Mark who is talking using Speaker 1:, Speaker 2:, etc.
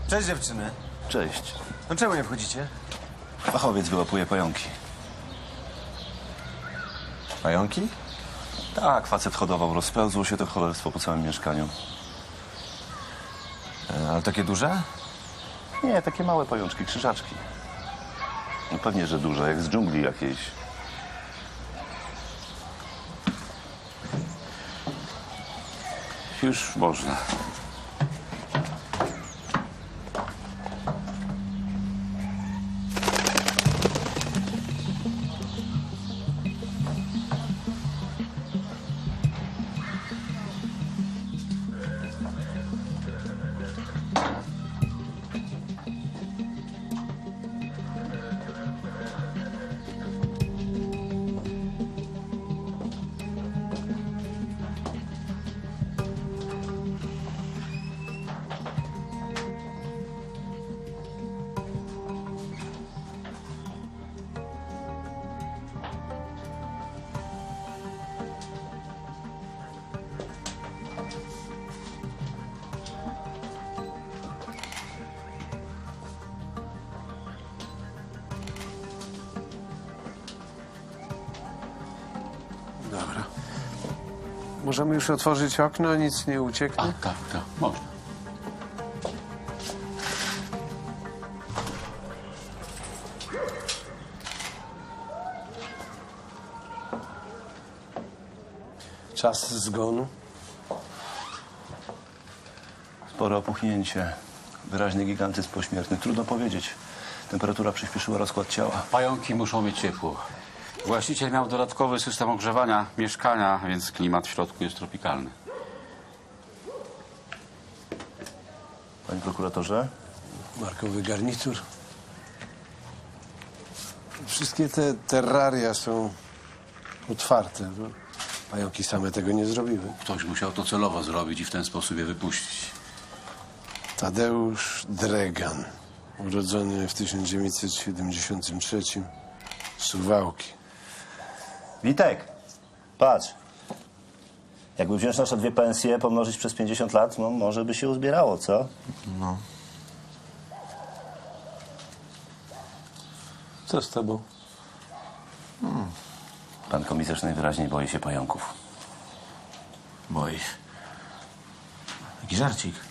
Speaker 1: Cześć dziewczyny.
Speaker 2: Cześć.
Speaker 1: No czemu nie wchodzicie?
Speaker 2: Fachowiec wyłapuje pająki.
Speaker 1: Pająki?
Speaker 2: Tak, facet hodował. Rozpełzło się to cholerstwo po całym mieszkaniu.
Speaker 1: Ale takie duże?
Speaker 2: Nie, takie małe pajączki, krzyżaczki. No pewnie, że duże, jak z dżungli jakiejś. Już można.
Speaker 3: Dobra. Możemy już otworzyć okno, nic nie ucieknie?
Speaker 4: Tak, można.
Speaker 3: Czas zgonu?
Speaker 2: Spore opuchnięcie. Wyraźny gigantyzm pośmiertny. Trudno powiedzieć. Temperatura przyspieszyła rozkład ciała.
Speaker 4: Pająki muszą mieć ciepło. Właściciel miał dodatkowy system ogrzewania mieszkania, więc klimat w środku jest tropikalny.
Speaker 2: Panie prokuratorze?
Speaker 3: Markowy garnitur. Wszystkie te terraria są otwarte. No, pająki same tego nie zrobiły.
Speaker 4: Ktoś musiał to celowo zrobić i w ten sposób je wypuścić.
Speaker 3: Tadeusz Dregan, urodzony w 1973, Suwałki.
Speaker 5: Witek, patrz. Jakby wziąć nasze 2 pensje, pomnożyć przez 50 lat, no może by się uzbierało, co?
Speaker 1: No.
Speaker 3: Co z tobą?
Speaker 2: Pan komisarz najwyraźniej boi się pająków.
Speaker 1: Boi. Taki żarcik.